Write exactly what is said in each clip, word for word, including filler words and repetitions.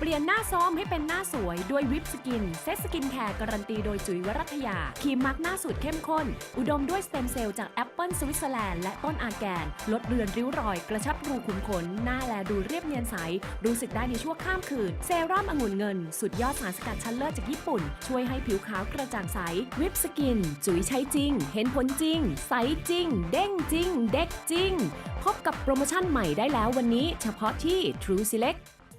ลี่ยนหน้าซ้อมให้เป็นหน้าสวยด้วยวิปสกินเซตสกินแคร์การันตีโดยจุ๋ยวรัตยาครีมมาร์กหน้าสูตรเข้มข้นอุดมด้วยสเต็มเซลล์จากแอปเปิลสวิตเซอร์แลนด์และต้นอาแกนลดเลือนริ้วรอยกระชับรูขุมขนหน้าแลดูเรียบเนียนใสรู้สึกได้ในชั่วข้ามคืนเซรั่มองุ่นเงินสุดยอดสารสกัดชั้นเลิศจากญี่ปุ่นช่วยให้ผิวขาวกระจ่างใสวิปสกินจุ๋ยใช้จริงเห็นผลจริงใสจริงเด้งจริงเด็กจริงพบกับโปรโมชั่นใหม่ได้แล้ววันนี้เฉพาะที่ True Select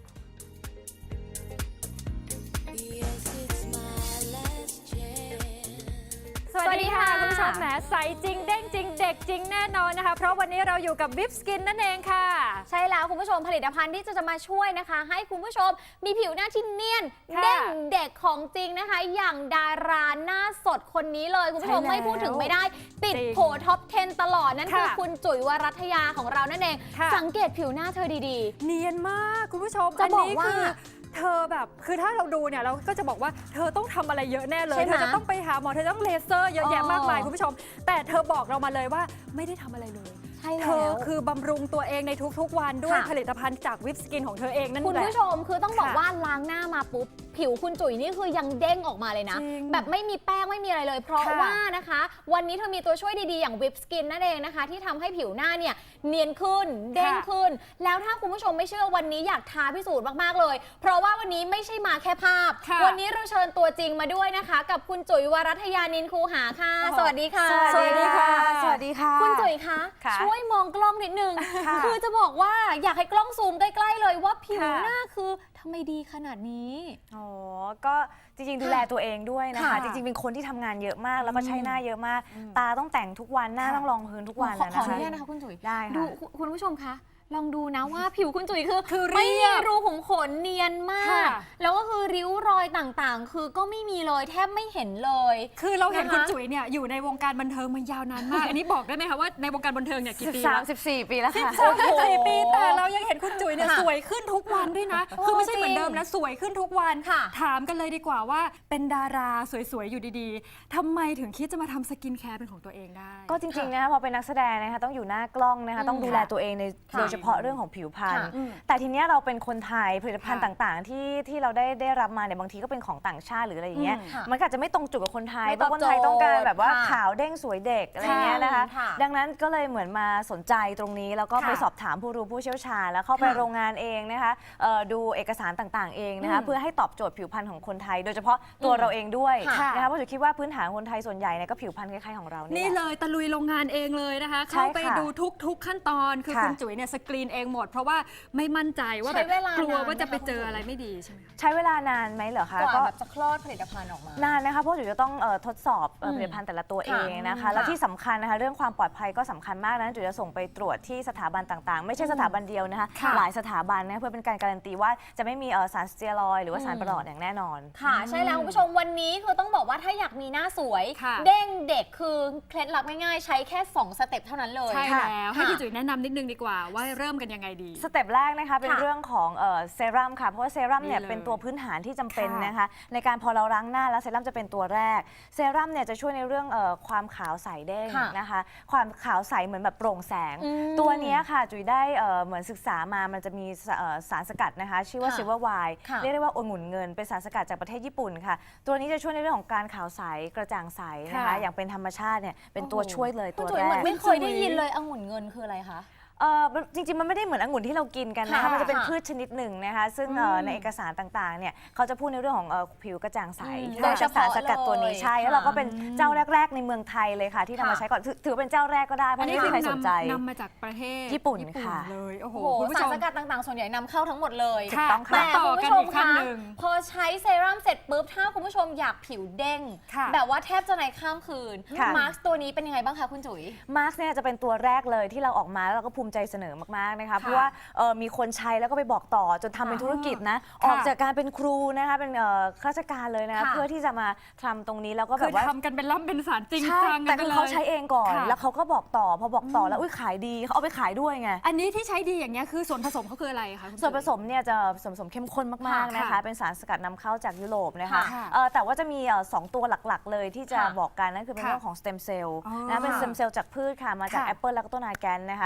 สวัสดีค่ะคุณผู้ชมแหมใสจริงเด้งจริงเด็กจริงแน่นอนนะคะเพราะวันนี้เราอยู่กับวิปสกินนั่นเองค่ะใช่แล้วคุณผู้ชมผลิตภัณฑ์ที่จะจะมาช่วยนะคะให้คุณผู้ชมมีผิวหน้าที่เนียนเด้งเด็กของจริงนะคะอย่างดาราหน้าสดคนนี้เลยคุณผู้ชมไม่พูดถึงไม่ได้ติดโผท็อปสิบตลอดนั่นคือคุณจุ๋ยวรัตยาของเรานั่นเองสังเกตผิวหน้าเธอดีๆเนียนมากคุณผู้ชมจะบอกว่าเธอแบบคือถ้าเราดูเนี่ยเราก็จะบอกว่าเธอต้องทำอะไรเยอะแน่เลยเธอจะต้องไปหาหมอเธอต้องเลเซอร์เยอะแยะมากมายคุณผู้ชมแต่เธอบอกเรามาเลยว่าไม่ได้ทำอะไรเลยเธอคือบำรุงตัวเองในทุกๆวันด้วยผลิตภัณฑ์จากวิปสกินของเธอเองนั่นแหละคุณผู้ชมคือต้องบอกว่าล้างหน้ามาปุ๊บผิวคุณจุ๋ยนี่คือยังเด้งออกมาเลยนะแบบไม่มีแป้งไม่มีอะไรเลยเพราะว่านะคะวันนี้เธอมีตัวช่วยดีๆอย่างวิปสกินนั่นเองนะคะที่ทำให้ผิวหน้าเนี่ยเนียนขึ้นเด้งขึ้นแล้วถ้าคุณผู้ชมไม่เชื่อวันนี้อยากท้าพิสูจน์มากๆเลยเพราะว่าวันนี้ไม่ใช่มาแค่ภาพวันนี้เราเชิญตัวจริงมาด้วยนะคะกับคุณจุ๋ยวรัตยานินคูหาค่ะสวัสดีค่ะสวัสดีค่ะสวัสดีค่ะคุณจุ๋ยคะช่วยมองกล้องนิดนึงคือจะบอกว่าอยากให้กล้องซูมใกล้ๆเลยว่าผิวหน้าคือทำไมดีขนาดนี้อ๋อก็จริงๆดูแลตัวเองด้วยนะคะจริงๆเป็นคนที่ทำงานเยอะมากแล้วก็ใช้หน้าเยอะมากตาต้องแต่งทุกวันหน้าต้องรองพื้นทุกวันนะคะขออนุญาตนะคะคุณจุ๋ยได้ค่ะดูคุณผู้ชมคะลองดูนะว่าผิวคุณจุ๋ยคือคือไม่มีรูขุมขนเนียนมากแล้วก็คือริ้วรอยต่างๆคือก็ไม่มีเลยแทบไม่เห็นเลยคือเราเห็นคุณจุ๋ยเนี่ยอยู่ในวงการบันเทิงมายาวนานมากอันนี้บอกได้ไหมคะว่าในวงการบันเทิงเนี่ยกี่ปีแล้วสิบสี่ปีแล้วค่ะสิบสี่ปีแต่เรายังเห็นคุณจุ๋ยเนี่ยสวยขึ้นทุกวันด้วยนะคือไม่ใช่เหมือนเดิมนะสวยขึ้นทุกวันถามกันเลยดีกว่าว่าเป็นดาราสวยๆอยู่ดีๆทำไมถึงคิดจะมาทำสกินแคร์เป็นของตัวเองได้ก็จริงๆนะคะพอเป็นนักแสดงนะคะต้องอยู่หน้ากล้องนะคะต้องดูแลตัวเองในโดยเฉพาะเรื่องของผิวพรรณแต่ทีเนี้ยเราเป็นคนไทยผลิตภัณฑ์ต่างๆที่ที่เราได้ได้รับมาเนี่ยบางทีก็เป็นของต่างชาติหรืออะไรอย่างเงี้ยมันอาจจะไม่ตรงจุดกับคนไทยเพราะคนไทยต้องการแบบว่าขาวเด้งสวยเด็กอะไรเงี้ยนะคะดังนั้นก็เลยเหมือนมาสนใจตรงนี้แล้วก็ไปสอบถามผู้รู้ผู้เชี่ยวชาญแล้วเข้าไปโรงงานเองนะคะดูเอกสารต่างๆเองนะคะเพื่อให้ตอบโจทย์ผิวพรรณของคนไทยโดยเฉพาะตัวเราเองด้วยนะคะเพราะจุ๋ยคิดว่าพื้นฐานคนไทยส่วนใหญ่เนี่ยก็ผิวพรรณคล้ายๆของเรานี่เลยตะลุยโรงงานเองเลยนะคะเข้าไปดูทุกๆขั้นตอนคือคุณจุ๋ยเนี่ยสกรีนเองหมดเพราะว่าไม่มั่นใจว่าแบบกลัวว่าจะไปเจออะไรไม่ดีใช่ไหมใช้เวลานานไหมเหรอคะก็แบบจะคลอดผลิตภัณฑ์ออกมานานนะคะเพราะจุ๋ยจะต้องทดสอบผลิตภัณฑ์แต่ละตัวเองนะคะแล้วที่สำคัญนะคะเรื่องความปลอดภัยก็สำคัญมากนะจุ๋ยจะส่งไปตรวจที่สถาบันต่างๆไม่ใช่สถาบันเดียวนะคะหลายสถาบันนะเพื่อเป็นการการันตีว่าจะไม่มีสารสเตียรอยด์หรือว่าสารประหลอดอย่างแน่นอนค่ะใช่แล้วคุณผู้ชมวันนี้คือต้องบอกว่าถ้าอยากมีหน้าสวยเด้งเด็กคือเคล็ดลับง่ายๆใช้แค่สองสเต็ปเท่านั้นเลยใช่แล้วให้พี่จุ๋ยแนะนำนิดนึงดีกว่าว่าเริ่มกันยังไงดีสเต็ปแรกนะคะเป็นเรื่องของเซรั่มค่ะเพราะว่าเซรั่มเนี่ยเป็นตัวพื้นฐานที่จำเป็นนะคะในการพอเราล้างหน้าแล้วเซรั่มจะเป็นตัวแรกเซรั่มเนี่ยจะช่วยในเรื่องความขาวใสเด้งนะคะความขาวใสเหมือนแบบโปร่งแสงตัวนี้ค่ะจุ๋ยได้เหมือนศึกษามามันจะมีสารสกัดนะคะชื่อว่าซิลเวอร์ไวน์เรียกได้ว่าองุ่นเงินเป็นสารสกัดจากประเทศญี่ปุ่นค่ะตัวนี้จะช่วยในเรื่องของการขาวใสกระจ่างใสนะคะอย่างเป็นธรรมชาติเนี่ยเป็นตัวช่วยเลยตัวแรกไม่เคยได้ยินเลยองุ่นเงินคืออะไรคะเออจริงๆมันไม่ได้เหมือนองุ่นที่เรากินกันนะคะมันจะเป็นพืชชนิดหนึ่งนะคะซึ่งในเอกสารต่างๆเนี่ยเขาจะพูดในเรื่องของผิวกระจ่างใสโดยสารสกัดตัวนี้ใช่แล้วเราก็เป็นเจ้าแรกๆในเมืองไทยเลยค่ะที่นำมาใช้ก่อนถือเป็นเจ้าแรกก็ได้เพราะไม่มีใครสนใจนำมาจากประเทศญี่ปุ่นค่ะเลยโอ้โหสารสกัดต่างๆส่วนใหญ่นำเข้าทั้งหมดเลยต้องค่ะแต่คุณผู้ชมคะพอใช้เซรั่มเสร็จปุ๊บถ้าคุณผู้ชมอยากผิวเด้งแบบว่าแทบจะในข้ามคืนมาร์คตัวนี้เป็นยังไงบ้างคะคุณจุ๋ยมาร์คเนี่ยจะเป็นตัวแรกเลยที่เราออกมาแล้วเราก็ภูมิใจเสนอมากนะคะเพราะว่ามีคนใช้แล้วก็ไปบอกต่อจนทำเป็นธุรกิจนะออกจากการเป็นครูนะคะเป็นข้าราชการเลยนะเพื่อที่จะมาทำตรงนี้แล้วก็แบบว่าทำกันเป็นล่ำเป็นสารจริงจังแต่คือเขาใช้เองก่อนแล้วเขาก็บอกต่อพอบอกต่อแล้วอุ้ยขายดีเขาเอาไปขายด้วยไงอันนี้ที่ใช้ดีอย่างเงี้ยคือส่วนผสมเขาคืออะไรคะส่วนผสมเนี่ยจะส่วนผสมเข้มข้นมากๆนะคะเป็นสารสกัดนำเข้าจากยุโรปนะคะแต่ว่าจะมีสองตัวหลักๆเลยที่จะบอกกันนั่นคือเป็นเรื่องของสเต็มเซลล์นะเป็นสเต็มเซลล์จากพืชค่ะมาจากแอปเปิลแล้วก็ต้นอาแกนนะคะคือน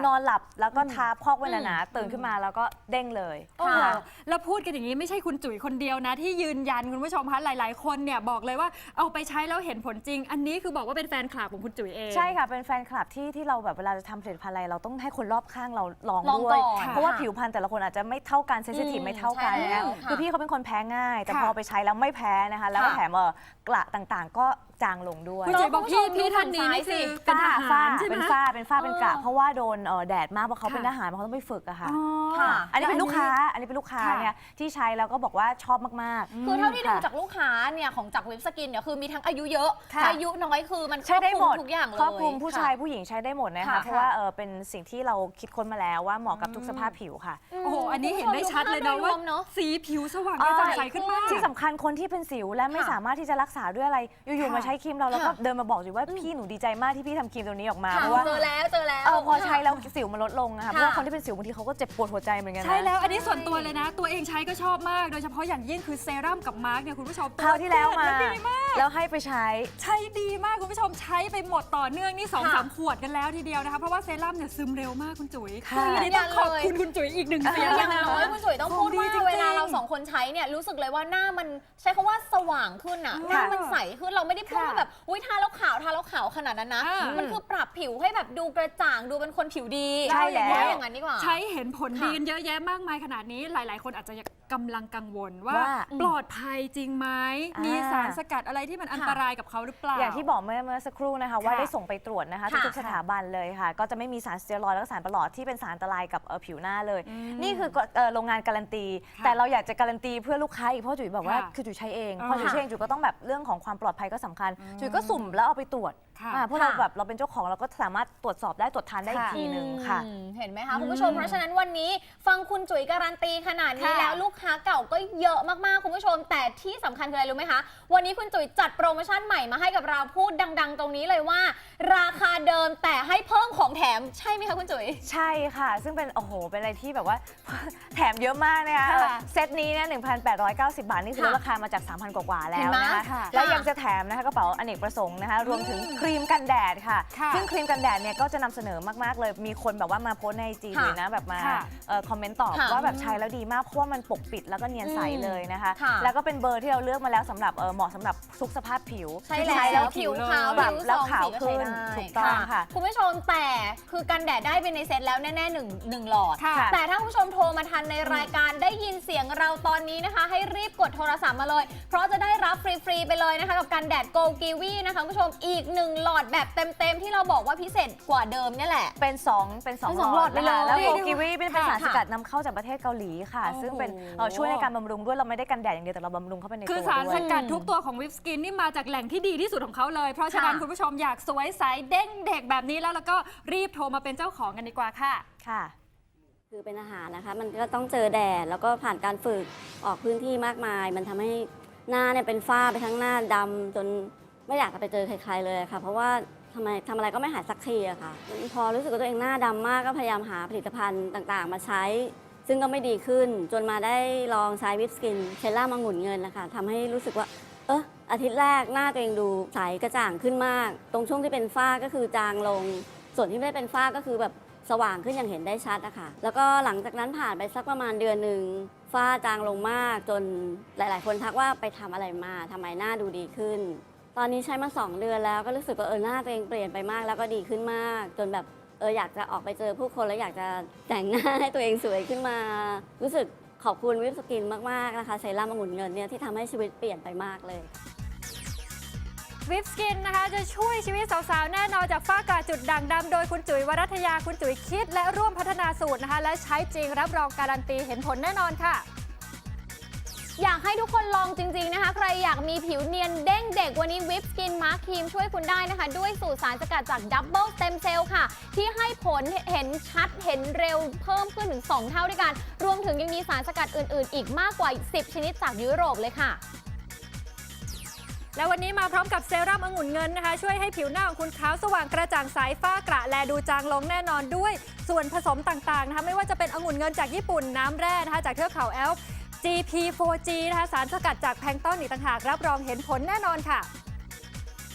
นอนหลับแล้วก็ทาพอกไว้หนาๆตื่นขึ้นมาแล้วก็เด้งเลยโอ้โหค่ะแล้วพูดกันอย่างนี้ไม่ใช่คุณจุ๋ยคนเดียวนะที่ยืนยันคุณผู้ชมคะหลาย ๆ คนเนี่ยบอกเลยว่าเอาไปใช้แล้วเห็นผลจริง อันนี้คือบอกว่าเป็นแฟนคลับของคุณจุ๋ยเองใช่ค่ะเป็นแฟนคลับที่ที่เราแบบเวลาจะทำผลิตภัณฑ์อะไรเราต้องให้คนรอบข้างเราลองลองด้วยก่อนเพราะว่าค่ะผิวพรรณแต่ละคนอาจจะไม่เท่ากันเซนซิทีฟอืมไม่เท่ากันใช่นะแล้วคะค่ะคือพี่เขาเป็นคนแพ้ง่าย แต่ค่ะพอไปใช้แล้วไม่แพ้นะคะแล้วก็ค่ะแถมเอ่อกระต่างๆ ก็จางลงด้วยคุณจุ๋ยบอกพี่คุณผู้ชมพี่ท่านนี้นี่คือเป็นทฝ้าหาฝ้ารใช่ไหมเป็นฝ้าเป็นฝ้าเป็นกระเออเพราะว่าโดนเอ่อแดดมากเพราะเขาค่ะเป็นทหารเขาต้องไปฝึกอะค่ะอ๋อค่ะอันนี้เป็นลูกค้าอันนี้เป็นลูกค้าค่ะเนี่ยที่ใช้แล้วก็บอกว่าชอบมากๆคือเท่าที่ดูค่ะจากลูกค้าเนี่ยของจากเว็บสกินเนี่ยคือมีทั้งอายุเยอะค่ะอายุน้อยคือมันครใช้อบได้คหมลุมดทุกอย่างเลยครอบคลุมผู้ชายค่ะผู้หญิงใช้ได้หมดนะคะค่ะเพราะว่าเออเป็นสิ่งที่เราคิดค้นมาแล้วว่าเหมาะกับทุกสภาพผิวค่ะโอ้โหอันนี้เห็นได้ชัดเลยนะว่าเนอะสีผิวสว่างกระจ่างใสขึ้นมากที่สำคัญคนที่เป็นสิวและไม่ค่ะสามารถที่จะรักษาด้วยอะไร อยู่ๆค่ะมาใช้ครีมเราแล้วก็ค่ะเดินมาบอกอยู่ว่าพี่หนูดีใจมากที่พี่ทำครีมตัวนี้ออกมาค่ะเพราะว่าเจอแล้วเจอแล้วเออพอใช้ค่ะแล้วสิวมันลดลงนะคะเพค่ะราะว่าคนที่เป็นสิวบางทีเขาก็เจ็บปวดหัวใจเหมือนกันนะใช่แล้วอันนี้ส่วนตัวเลยนะ ตัวเองใช้ก็ชอบมาก โดยเฉพาะอย่างยิ่งคือเซรั่มกับมาร์กเนี่ยคุณผู้ชมคราวที่แล้วมาดีมากแล้วให้ไปใช้ใช้ดีมากคุณผู้ชมใช้ไปหมดต่อเนื่องนี่สองค่ะสามขวดกันแล้วทีเดียวนะคะเพราะว่าเซรั่มเนี่ยซึมเร็วมากคุณจุ๋ยค่ะอันนี้ต้องขอบคุณคุณจุ๋ยอีกหนึ่งเสียงอย่างนะน้อยคุณจุ๋ยต้องพูดของดีว่าจริงๆเวลาเราสองคนใช้เนี่ยรู้สึกเลยว่าหน้ามันใช้คำว่าสว่างขึ้นอะหน้ามันใสขึ้นเราไม่ได้พูดว่าแบบอุ้ยทาแล้วขาวทาแล้วขาวขนาดนั้นนะอ่ามัมันคือปรับผิวให้แบบดูกระจ่างดูเป็นคนผิวดีใช่แล้วว่าอย่างนั้นดีกว่าใช้เห็นผลดีค่ะกันเยอะแยะมากมายขนาดนี้หลาย ๆ คนอาจจะกำลังกังวลว่าว่าปลอดภัยจริงไหมอ่ามีมีสารสกัดอะไรที่มันอันตรายกับเขาหรือเปล่าอย่างที่บอกเมื่อเมื่อสักครู่นะคะว่าค่ะได้ส่งไปตรวจนะคะค่ะทุกๆสถาบันเลยค่ะ ก็จะไม่มีสารสเตียรอยด์และก็สารประหลอดที่เป็นสารอันตรายกับเอ่อผิวหน้าเลย นี่คือเอ่อโรงงานการันตีค่ะแต่เราอยากจะการันตีเพื่อลูกค้าอีกเพราะจุ๋ยบอกว่าค่ะคือจุ๋ยใช้เองอ่าพอจุ๋ยใช้เองจุ๋ยก็ต้องแบบเรื่องของความปลอดภัยก็สำคัญ จุ๋ยก็สุ่มแล้วเอาไปตรวจค่ะอ่าเพราะเราค่ะแบบเราเป็นเจ้าของเราก็สามารถตรวจสอบได้ตรวจทานได้อีกค่ะทีหนึ่งค่ะอืมเห็นไหมคะคุณผู้ชมเพราะฉะนั้นวันนี้ฟังคุณจุ๋ยการันตีขนาดนี้ค่ะแล้วลูกค้าเก่าก็เยอะมากๆคุณผู้ชม แต่ที่สำคัญคืออะไรรู้ไหมคะวันนี้คุณจุ๋ยจัดโปรโมชั่นใหม่มาให้กับเราพูดดัง ๆ ตรงนี้เลยว่า ราคาเดิมแต่ให้เพิ่มของแถมใช่ไหมคะคุณจุ๋ยใช่ค่ะ ซึ่งเป็นโอ้โหเป็นอะไรที่แบบว่า แถมเยอะมากนะคะค่ะเออเซตนี้เนี่ยหนึ่งพันแปดร้อยเก้าสิบบาท นี่คือลดค่ะราคามาจาก สามพัน กว่าๆแล้เห็วนไหมนะคะค่ะแล้วยังจะแถมนะคะกระเป๋าอเนกประสงค์นะคะรวมถึงครีมกันแดดค่ะค่ะซึ่งครีมกันแดดเนี่ยก็จะนำเสนอมากๆเลยมีคนแบบว่ามาโพสต์ในจีค่ะเลยนะแบบมาค่ะเอ่อคอมเมนต์ตอบค่ะว่าแบบใช้แล้วดีมากเพราะว่ามันปกปิดแล้วก็เนียนใสเลยนะคะค่ะแล้วก็เป็นเบอร์ที่เราเลือกมาแล้วสำหรับเอ่อเหมาะสำหรับทุกสภาพผิวใช่ใช้แล้แล้ว วผิวขาวปรับผิวแล้วสองขาวสีก็ใช้ขึ้นได้ถูกต้องค่ะคุณผู้ชมแต่คือกันแดดได้ไปในเซตแล้วแน่ๆหนึ่งหนึ่งหลอดค่ะแต่ถ้าคุณผู้ชมโทรมาทันในรายการได้ยินเสียงเราตอนนี้นะคะ ให้รีบกดโทรศัพท์มาเลย เพราะจะได้รับฟรีๆไปเลยนะคะกับกันแดดโกกีวีนะคะคุณผู้ชมอีกหนึ่งหลอดแบบเต็มๆที่เราบอกว่าพิเศษกว่าเดิมเนี่ยแหละเป็นสองเป็นสองเป็นสองหลอดไปเลยนะคะแล้วเรียโกกได้กิวีเป็นเป็นค่ะสารสกัดนำเข้าจากประเทศเกาหลีค่ะโอ้โหซึ่งเป็นเอ่อช่วยในการบำรุงด้วยเราไม่ได้กันแดดอย่างเดียวแต่เราบำรุงเข้าไปในคือตัวสารด้วสยกัดทุกตัวของวิปสกินนี่มาจากแหล่งที่ดีที่สุดของเขาเลย เพราะฉะนั้นค่ะคุณผู้ชมอยากสวยใสเด้งเด็กแบบนี้แล้วแล้วก็รีบโทรมาเป็นเจ้าของกันดีกว่าค่ะค่ะคือเป็นอาหารนะคะ มันก็ต้องเจอแดดแล้วก็ผ่านการฝึกออกพื้นที่มากมาย มันทำให้หน้าเนี่ยเป็นฝ้าไปทั้งหน้าดำจนไม่อยากจะไปเจอใครๆเลยค่ะ เพราะว่าทำไมทำอะไรก็ไม่หายสักทีอะค่ะ พอรู้สึกว่าตัวเองหน้าดำมากก็พยายามหาผลิตภัณฑ์ต่างๆ มาใช้ ซึ่งก็ไม่ดีขึ้น จนมาได้ลองใช้วิปสกินเชลล่ามังงุ่นเงินนะคะทำให้รู้สึกว่า เอออาทิตย์แรกหน้าตัวเองดูใสกระจ่างขึ้นมาก ตรงช่วงที่เป็นฝ้าก็คือจางลง ส่วนที่ไม่ได้เป็นฝ้าก็คือแบบสว่างขึ้นอย่างเห็นได้ชัดอะค่ะ แล้วก็หลังจากนั้นผ่านไปสักประมาณเดือนหนึ่งฝ้าจางลงมากจนหลาย ๆ คนทักว่าไปทำอะไรมาทำไมหน้าดูดีขึ้น ตอนนี้ใช้มาสองเดือนแล้วก็รู้สึกว่าเออหน้าตัวเองเปลี่ยนไปมากแล้วก็ดีขึ้นมาก จนแบบเอออยากจะออกไปเจอผู้คนแล้วอยากจะแต่งหน้าให้ตัวเองสวยขึ้นมา รู้สึกขอบคุณวิปสกินมาก ๆ นะคะเซรั่มองุ่นเงินเนี่ยที่ทำให้ชีวิตเปลี่ยนไปมากเลยวิปสกินนะคะจะช่วยชีวิตสาวๆ แน่นอนจากฝ้ากระจุดด่างดำโดยคุณจุ๋ยวรัตยาคุณจุ๋ยคิดและร่วมพัฒนาสูตรนะคะ และใช้จริงรับรองการันตีเห็นผลแน่นอนค่ะอยากให้ทุกคนลองจริง ๆ นะคะ ใครอยากมีผิวเนียนเด้งเด็กวันนี้วิปสกินมาร์คครีมช่วยคุณได้นะคะ ด้วยสูตรสารสกัดจากดับเบิลสเต็มเซลล์ค่ะ ที่ให้ผลเห็นชัดเห็นเร็วเพิ่มขึ้นถึง สอง เท่าด้วยกัน รวมถึงยังมีสารสกัดอื่น ๆ อีกมากกว่า สิบ ชนิดจากยุโรปเลยค่ะและวันนี้มาพร้อมกับเซรั่มองุ่นเงินนะคะ ช่วยให้ผิวหน้าของคุณขาวสว่างกระจ่างใสฝ้ากระแลดูจางลงแน่นอนด้วย ส่วนผสมต่างๆนะคะไม่ว่าจะเป็นองุ่นเงินจากญี่ปุ่นน้ำแร่นะคะจากเทือกเขาแอลป์ จี พี โฟร์ จี นะคะสารสกัดจากแพลงก์ต้นอีกต่างหากรับรองเห็นผลแน่นอนค่ะ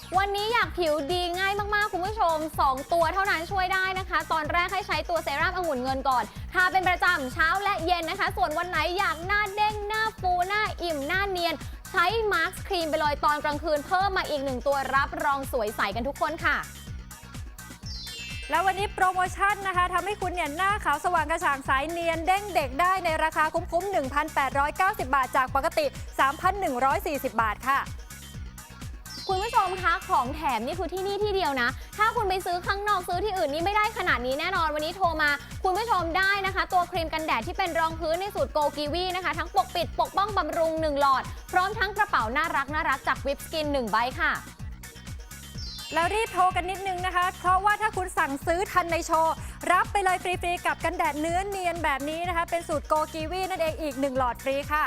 วันนี้อยากผิวดีง่ายมากๆคุณผู้ชมสองตัวเท่านั้นช่วยได้นะคะตอนแรกให้ใช้ตัวเซรั่มองุ่นเงินก่อนทาเป็นประจำเช้าและเย็นนะคะส่วนวันไหนอยากหน้าเด้งหน้าฟูหน้าอิ่มหน้าเนียนใช้มาสก์ครีมไปเลยตอนกลางคืนเพิ่มมาอีกหนึ่งตัวรับรองสวยใสกันทุกคนค่ะแล้ววันนี้โปรโมชั่นนะคะทำให้คุณเนี่ยหน้าขาวสว่างกระจ่างใสเนียนเด้งเด็กได้ในราคาคุ้มๆ หนึ่งพันแปดร้อยเก้าสิบ บาทจากปกติ สามพันหนึ่งร้อยสี่สิบ บาทค่ะคุณผู้ชมคะของแถมนี่คือที่นี่ที่เดียวนะถ้าคุณไปซื้อข้างนอกซื้อที่อื่นนี่ไม่ได้ขนาดนี้แน่นอนวันนี้โทรมาคุณผู้ชมได้นะคะตัวครีมกันแดดที่เป็นรองพื้นในสูตรโกกีวีนะคะทั้งปกปิดปกป้องบำรุงหนึ่งหลอดพร้อมทั้งกระเป๋าน่ารักน่ารักจากวิปสกินหนึ่งใบค่ะแล้วรีบโทรกันนิดนึงนะคะเพราะว่าถ้าคุณสั่งซื้อทันในโชว์รับไปเลยฟรีๆกับกันแดดเนื้อเนียนแบบนี้นะคะเป็นสูตรโกกีวีนั่นเองอีกหนึ่งหลอดฟรีค่ะ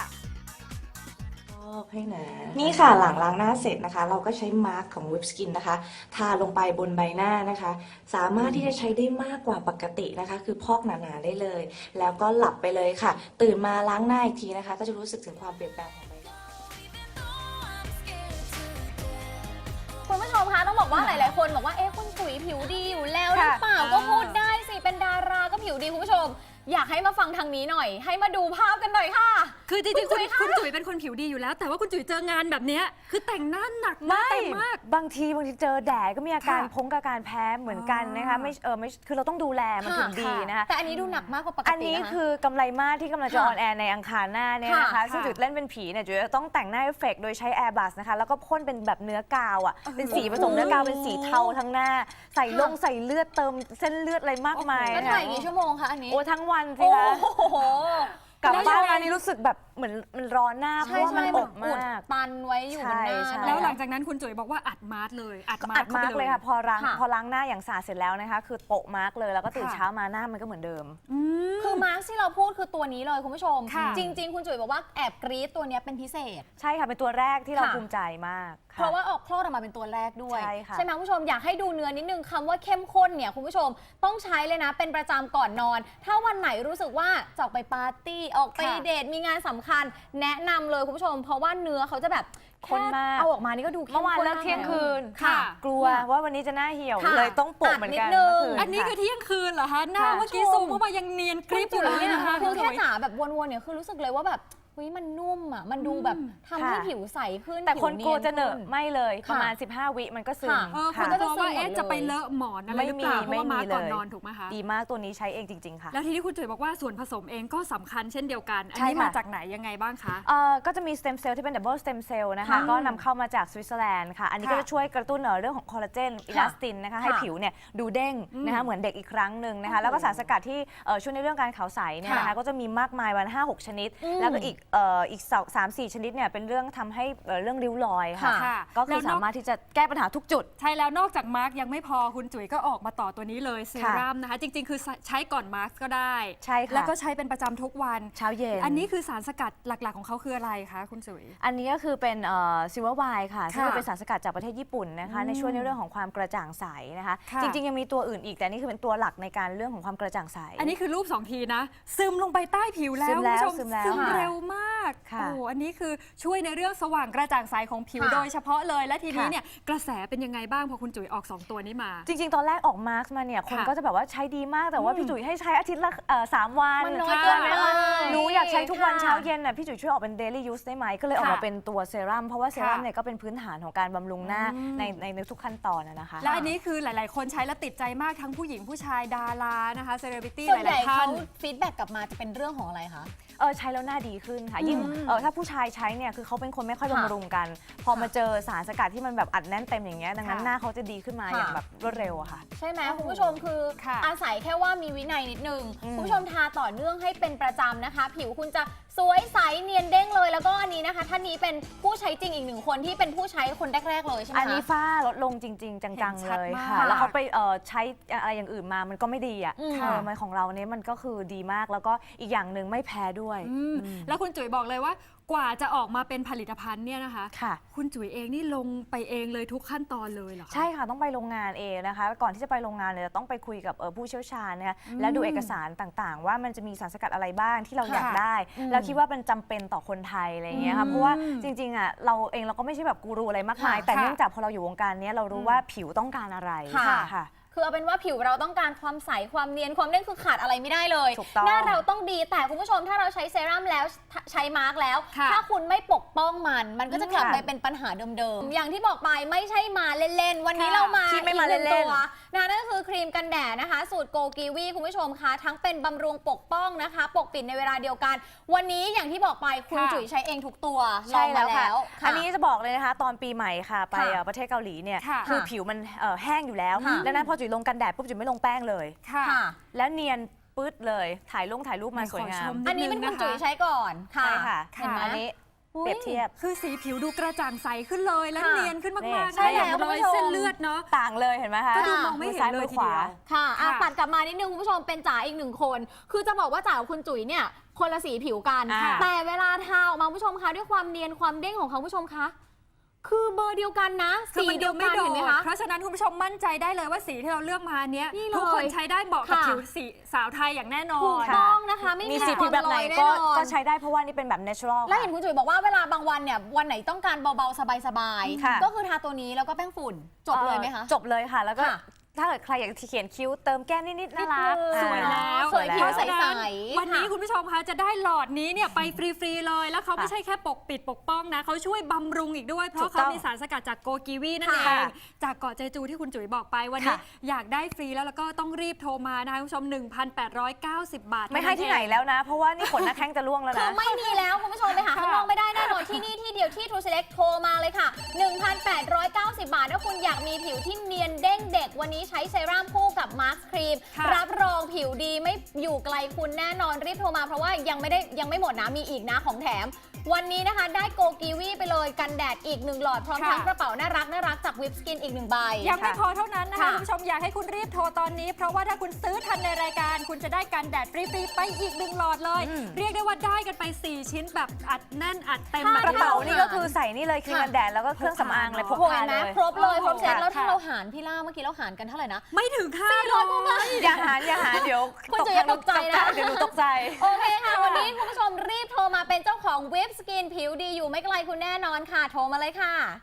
ให้นะนี่ค่ะหลังล้างหน้าเสร็จนะคะเราก็ใช้มาร์กของ Whip Skin นะคะทาลงไปบนใบหน้านะคะสามารถที่จะใช้ได้มากกว่าปกตินะคะคือพอกหนาๆได้เลยแล้วก็หลับไปเลยค่ะตื่นมาล้างหน้าอีกทีนะคะก็จะรู้สึกถึงความเปลี่ยนแปลงของใบหน้าคุณผู้ชมคะต้องบอกว่าหลายๆคนบอกว่าเอ๊ะคุณจุ๋ยผิวดีอยู่แล้วหรือเปล่าก็พูดได้สิเป็นดาราก็ผิวดีคุณผู้ชมอยากให้มาฟังทางนี้หน่อยให้มาดูภาพกันหน่อยค่ะคือจริงๆคุณคุณจุ๋ยเป็นคนผิวดีอยู่แล้วแต่ว่าคุณจุ๋ยเจองานแบบนี้คือแต่งหน้าหนักมากเต็มมากบางทีบางทีเจอแดดก็มีอาการพงกับการแพ้เหมือนกันนะคะไม่เออไม่คือเราต้องดูแลมันถึงดีนะคะแต่อันนี้ดูหนักมากกว่าปกติอันนี้คือกำไรมากที่กำลังจะออนแอร์ในอังคารหน้าเนี่ยนะคะซึ่งจุ๋ยเล่นเป็นผีเนี่ยจุ๋ยจะต้องแต่งหน้าเอฟเฟกต์โดยใช้แอร์บัสนะคะแล้วก็พ่นเป็นแบบเนื้อกาวอ่ะเป็นสีผสมเนื้อกาวเป็นสีเทาทั้งหน้าใส่ลงใส่เลือดเติมเส้นเลือดอะไรมากมายแล้วถ่ายกี่ชั่วโมงคะอันนี้โอ้ทั้งวันสิคะโอ้โหกลับบ้านมานี่รู้สึกแบบเหมือนมันร้อนหน้าเพราะว่ามันอบมากตันไว้อยู่บนหน้าแล้วหลังจากนั้นคุณจุ๋ยบอกว่าอัดมาร์กเลยอัดมาร์กเลยค่ะพอล้างพอล้างหน้าอย่างสะอาดเสร็จแล้วนะคะคือโปะมาร์กเลยแล้วก็ตื่นเช้ามาหน้ามันก็เหมือนเดิมคือมาร์กที่เราพูดคือตัวนี้เลยคุณผู้ชมจริงๆคุณจุ๋ยบอกว่าแอบกรี๊ดตัวนี้เป็นพิเศษใช่ค่ะเป็นตัวแรกที่เราภูมิใจมากเพราะว่าออกคลอดออกมาเป็นตัวแรกด้วยใช่ไหมคุณผู้ชมอยากให้ดูเนื้อนิดนึงคำว่าเข้มข้นเนี่ยคุณผู้ชมต้องใช้เลยนะเป็นประจำก่อนนอนถ้าวันไหนรู้สึกว่าจะออกไปปาร์ตี้ออกไปเดทมีงานสำคัญแนะนำเลยคุณผู้ชมเพราะว่าเนื้อเขาจะแบบข้นมากเอาออกมานี่ก็ดูเข้มข้นเมื่อวานเลิกเที่ยงคืนกลัวว่าวันนี้จะหน้าเหี่ยวเลยต้องโปะเหมือนกันอันนี้คือเที่ยงคืนเหรอคะหน้าเมื่อกี้ซูมเข้ามายังเนียนกริบอยู่เลยนะคะคือแค่จ๋าแบบวนๆเนี่ยคือรู้สึกเลยว่าแบบเฮ้ยมันนุ่มอ่ะมันดูแบบทำให้ผิวใสขึ้นแต่คนกลัวจะเหนอะไม่เลยประมาณสิบห้าวิมันก็ซึมคนก็จะว่าเอ๊ะจะไปเลอะหมอนอะไรหรือเปล่าเพราะว่ามาก่อนนอนถูกไหมคะดีมากตัวนี้ใช้เองจริงๆค่ะแล้วทีนี้คุณจุ๋ยบอกว่าส่วนผสมเองก็สำคัญเช่นเดียวกันอันนี้มาจากไหนยังไงบ้างคะก็จะมีสเต็มเซลล์ที่เป็นดับเบิลสเต็มเซลล์นะคะก็นำเข้ามาจากสวิตเซอร์แลนด์ค่ะอันนี้ก็จะช่วยกระตุ้นเรื่องของคอลลาเจนอิลาสตินนะคะให้ผิวเนี่ยดูเด้งนะคะเหมือนเด็กอีกครั้งหนึ่งนะคะแล้วก็สารสกัดที่ช่วยในเรื่องการขาวใสเนี่ยนะคะก็จะมีมากมายวันห้าหกชนิดแล้วก็อีกอีกสามสี่ชนิดเนี่ยเป็นเรื่องทำให้เรื่องริ้วรอยค่ะก็คือสามารถที่จะแก้ปัญหาทุกจุดใช่แล้วนอกจากมาร์กยังไม่พอคุณจุ๋ยก็ออกมาต่อตัวนี้เลยเซรั่มนะคะจริงๆคือใช้ก่อนมาร์กก็ได้ใช่ค่ะแล้วก็ใช้เป็นประจำทุกวันเช้าเย็นอันนี้คือสารสกัดหลักๆของเขาคืออะไรคะคุณจุ๋ยอันนี้ก็คือเป็นซิลเวอร์ไวน์ค่ะซึ่งเป็นสารสกัดจากประเทศญี่ปุ่นนะคะในช่วยในเรื่องของความกระจ่างใสนะคะจริงๆยังมีตัวอื่นอีกแต่นี่คือเป็นตัวหลักในการเรื่องของความกระจ่างใสอันนี้คือรูปสองทีนะซึมลงไปใต้ผิวแล้วคุณผู้ชมซึมเร็วมากโอ้อันนี้คือช่วยในเรื่องสว่างกระจ่างใสของผิวโดยเฉพาะเลยและทีนี้เนี่ยกระแสเป็นยังไงบ้างพอคุณจุ๋ยออกสองตัวนี้มาจริงๆตอนแรกออกมาร์กมาเนี่ยคนก็จะแบบว่าใช้ดีมากแต่ว่าพี่จุ๋ยให้ใช้อาทิตย์ละสามวันมันน้อยเกินไปหนูอยากใช้ทุกวันเช้าเย็นน่ะพี่จุ๋ยช่วยออกเป็น daily use ได้ไหมก็เลยออกมาเป็นตัวเซรั่มเพราะว่าเซรั่มเนี่ยก็เป็นพื้นฐานของการบำรุงหน้าในในทุกขั้นตอนนะคะและอันนี้คือหลายๆคนใช้แล้วติดใจมากทั้งผู้หญิงผู้ชายดารานะคะเซเลบริตี้หลายๆท่านฟีดแบ็กกลับมาจะเป็นเรื่องของอะไรคะเออใช้แล้วหน้าดีขึ้นค่ะยิ่งเออถ้าผู้ชายใช้เนี่ยคือเขาเป็นคนไม่ค่อยบำรุงกันพอมาเจอสารสกัดที่มันแบบอัดแน่นเต็มอย่างเงี้ยดังนั้นหน้าเขาจะดีขึ้นมาอย่างแบบรวดเร็วอะค่ะใช่ไหมคุณผู้ชมคืออาศัยแค่ว่ามีวินัยนิดนึงคุณผู้ชมทาต่อเนื่องให้เป็นประจำนะคะผิวคุณจะสวยใสเนียนเด้งเลยแล้วก็อันนี้นะคะท่านนี้เป็นผู้ใช้จริงอีกหนึ่งคนที่เป็นผู้ใช้คนแรกๆเลยใช่ไหมคะอันนี้ฝ้าลดลงจริงๆจังๆเลยค่ะแล้วเขาไปใช้อะไรอย่างอื่นมามันก็ไม่ดีอ่ะมันของเราเนี่ยมันก็คือดีมากแล้วก็อีกอย่างหนึ่งไม่แพ้ด้วยแล้วคุณจุ๋ยบอกเลยว่ากว่าจะออกมาเป็นผลิตภัณฑ์เนี่ยนะคะค่ะคุณจุ๋ยเองนี่ลงไปเองเลยทุกขั้นตอนเลยเหรอใช่ค่ะต้องไปโรงงานเองนะคะก่อนที่จะไปโรงงานเนี่ยต้องไปคุยกับผู้เชี่ยวชาญนะคะและดูเอกสารต่างๆว่ามันจะมีสารสกัดอะไรบ้างที่เราอยากได้แล้วคิดว่าเป็นจำเป็นต่อคนไทยอะไรอย่างเงี้ยค่ะเพราะว่าจริงๆอ่ะเราเองเราก็ไม่ใช่แบบกูรูอะไรมากมายค่ะแต่เนื่องจากพอเราอยู่วงการเนี้ยเรารู้ว่าผิวต้องการอะไรค่ะค่ะคือเอาเป็นว่าผิวเราต้องการความใสความเนียนความเด้งคือขาดอะไรไม่ได้เลยถูกต้องหน้าเราต้องดีแต่คุณผู้ชมถ้าเราใช้เซรั่มแล้วใช้มาร์กแล้วค่ะถ้าคุณไม่ปกป้องมัน มันก็จะกลับค่ะไปเป็นปัญหาเดิมๆอย่างที่บอกไปไม่ใช่มาเล่นๆวันนี้ค่ะเรามาที่ไม่มาอีกหงเล่นๆตัวนะนั่นก็คือครีมกันแดดนะคะ สูตรโกกีวีคุณผู้ชมคะทั้งเป็นบำรุงปกป้องนะคะ ปกปิดในเวลาเดียวกัน วันนี้อย่างที่บอกไปคุณค่ะจุ๋ยใช้เองทุกตัวลใช่องมาแล้วค่ะแล้วค่ะอันนี้จะบอกเลยนะคะ ตอนปีใหม่ค่ะ ไปค่ะเอ่อประเทศเกาหลีเนี่ยค่ะคือผิวมันเอ่อแห้งอยู่แล้วค่ะดังนั้นพอจุ๋ยลงกันแดดปุ๊บจุ๋ยไม่ลงแป้งเลยค่ะค่ะแล้วเนียนปื๊ดเลยถ่ายลงถ่ายรูปมาขอสวยงาชมมอันนี้เป็นคุณจุ๋ยนิดนึงนะคะใช้ก่อนค่ะใช่ค่ะเห็นไหมอันนี้อุ๊ยเปรียบเทียบคือสีผิวดูกระจ่างใสขึ้นเลยและค่ะเนียนขึ้นนี่มากๆใช่นะอย่างแล้วรอยคุณผู้ชมเส้นเลือดเนาะต่างเลยเห็นไหมคะก็ดูมองไม่เห็นซ้ายเลมืยอทีขวาเดียวค่ะอ่ะค่ะปัดกลับมานิดนึงคุณผู้ชมเป็นจ๋าอีกหนึ่งคน คือจะบอกว่าจ๋ากับคุณจุ๋ยเนี่ยคนละสีผิวกันอ่าแต่เวลาทาออกมาคุณผู้ชมคะด้วยความเนียนความเด้งของเขาคุณผู้ชมคะคือเบอร์เดียวกันนะคือสีมันเดีดูยวไม่กันโดเห็นไหมดคะเพราะฉะนั้นคุณผู้ชมมั่นใจได้เลยว่าสีที่เราเลือกมาเนี้ยนี่เลยทุกคนใช้ได้เหมาะกับค่ะผิวสีสาวไทยอย่างแน่นอถูกนต้องนะคะไม่มีมีสีผิวแบบไหนความลอยก็แน่นอนก็ใช้ได้เพราะว่านี่เป็นแบบ natural แล้วค่ะเห็นคุณจุ๋ยบอกว่าเวลาบางวันเนี่ยวันไหนต้องการเบาๆสบายค่ะๆก็คือทาตัวนี้แล้วก็แป้งฝุ่นจบเลยไหมคะอ่อจบเลยค่ะ แล้วก็ค่ะถ้าเกิดใครอยากจะเขียนคิ้วเติมแก้มนิดๆน่ารักนิดนึงอ่าสวยแล้วสวยผิวเพราะฉะนั้นใสๆวันนี้ค่ะคุณผู้ชมคะจะได้หลอดนี้เนี่ยไปฟรีๆเลย แล้วเขาไม่ค่ะใช่แค่ปกปิดปกป้องนะเขาช่วยบำรุงอีกด้วย เพถูราะกต้เขาองมีสารสกัดจากโกกีวีนั่นเอค่ะงจากเกาะเจจูที่คุณจุ๋ยบอกไปวันนี้ค่ะอยากได้ฟรีแล้วแล้วก็ต้องรีบโทรมานะคะคุณผู้ชม หนึ่งพันแปดร้อยเก้าสิบ บาทไม่ให้ที่ไหนแล้วนะ เพราะว่านี่ขนหน้าแข้งจะร่วงแล้วคือนะไม่มีแล้วคุณผู้ชมไปหาข้างนอกไม่ได้แน่นอนที่นี่ที่เดียวที่ True Select โทรมาเลยค่ะ หนึ่งพันแปดร้อยเก้าสิบ บาทถ้าคุณอยากมีผิวที่เนียนเด้งเด็กวันนี้ใช้เซรั่มคู่กับมาร์คครีมค่ะรับรองผิวดีไม่อยู่ไกลคุณแน่นอนรีบโทรมาเพราะว่ายังไม่ได้ยังไม่หมดนะมีอีกนะของแถม วันนี้นะคะได้โกกีวีไปเลยกันแดดอีกหนึ่งหลอดพร้อมค่ะทั้งกระเป๋าน่ารักน่ารักจากวิปสกินอีกหนึ่งใบยังไม่พอเท่านั้นนะคะค่ะคุณผู้ชมอยากให้คุณรีบโทรตอนนี้ เพราะว่าถ้าคุณซื้อทันในรายการ คุณจะได้กันแดดฟรีๆไปอีกหนึ่งหลอดเลยอืมเรียกได้ว่าได้กันไป สี่ ชิ้นแบบอัดแน่นอัดเต็มค่ะแบบกระเป๋านี้นี่ก็คือใส่นี่เลยครีมกันแดดแล้วก็เครื่องสำอางเลยพกโอ้ยพาเห็นไหมเลยครบเลยครบเซตค่ะแล้วถ้าค่ะเราหารพี่ล่าเมื่อกี้เราหารกันเท่าไหร่นะไม่ถึงห้าร้อยอย่าหาอย่าหาเดี๋ยวคุณจุ๋ยอย่าตกใจนะเดี๋ยวหนูตกใจโอเคค่ะ วันนี้คุณผู้ชมรีบโทรมาเป็นเจ้าของเว็บสกินผิวดีอยู่ไม่ไกลคุณแน่นอนค่ะ โทรมาเลยค่ะ